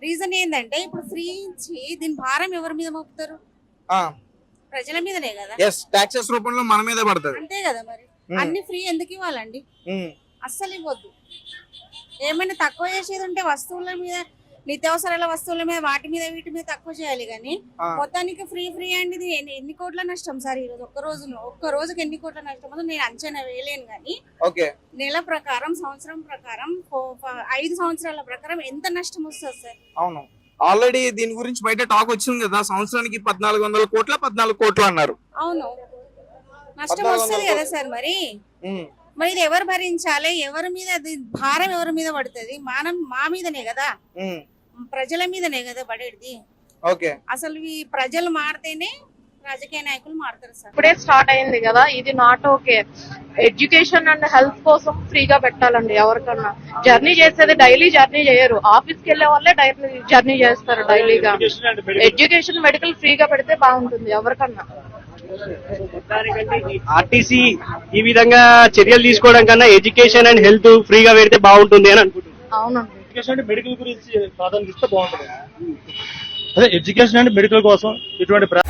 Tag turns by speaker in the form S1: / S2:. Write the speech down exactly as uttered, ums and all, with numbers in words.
S1: Reason ఏంటంటే ఇప్పుడు free ఇచ్చి దీని భారం ఎవరి మీద మోపుతారు? ప్రజల మీదనే కదా.
S2: ఎస్, టాక్సెస్ రూపంలో మన మీదే పడుతుంది.
S1: అంతే కదా మరి. అన్ని ఫ్రీ ఎందుకు ఇవ్వాలండి? అస్సలు ఇవ్వద్దు. ఏమైనా తక్కువ చేసేది ఉంటే వస్తువుల మీద, నిత్యావసరాల వస్తువుల మీద, వాటి మీద వీటి మీద తక్కువ చేయాలి కానీ మొత్తానికి ఫ్రీ ఫ్రీ అండి. ఇది ఎన్ని కోట్ల నష్టం సార్ ఈ రోజు? ఒక్క రోజులో ఒక్క రోజుకి ఎన్ని కోట్ల నష్టం ఉందో నేను అంచనా వేయలేను కానీ నెల ప్రకారం, సంవత్సరం ప్రకారం, ఐదు సంవత్సరాల ప్రకారం ఎంత నష్టం వస్తుంది సార్?
S2: అవును, ఆల్రెడీ దీని గురించి బయట టాక్ వచ్చింది కదా, సంవత్సరానికి పద్నాలుగు వందల కోట్ల పద్నాలుగు కోట్లు అన్నారు.
S1: అవును, నష్టం వస్తుంది కదా సార్. మరి మరి ఇది ఎవరు భరించాలి? ఎవరి మీద భారం ఎవరి మీద పడుతుంది? మనం మా మీదనే కదా, ప్రజల మీదనే కదా పడేది. అసలు ఈ ప్రజలు మారితేనే రాజకీయ నాయకులు మారుతారు సార్.
S3: ఇప్పుడే స్టార్ట్ అయింది కదా, ఇది not okay. Education and health కోసం ఫ్రీగా పెట్టాలండి. ఎవరికన్నా జర్నీ చేసేది డైలీ జర్నీ చేయరు, ఆఫీస్ కి వెళ్లే వాళ్ళే డైలీ జర్నీ చేస్తారు డైలీగా. ఎడ్యుకేషన్ మెడికల్ ఫ్రీగా పెడితే బాగుంటుంది ఎవరికన్నా.
S4: ఆర్టీసీ ఈ విధంగా చర్యలు తీసుకోవడం కన్నా ఎడ్యుకేషన్ అండ్ హెల్త్ ఫ్రీగా పెడితే బాగుంటుంది అని అనుకుంటున్నాను.
S3: అవునండి,
S5: ఎడ్యుకేషన్ అంటే మెడికల్ గురించి ప్రాధాన్యత ఇస్తే బాగుంటుంది. అదే ఎడ్యుకేషన్ అండ్ మెడికల్ కోసం ఇటువంటి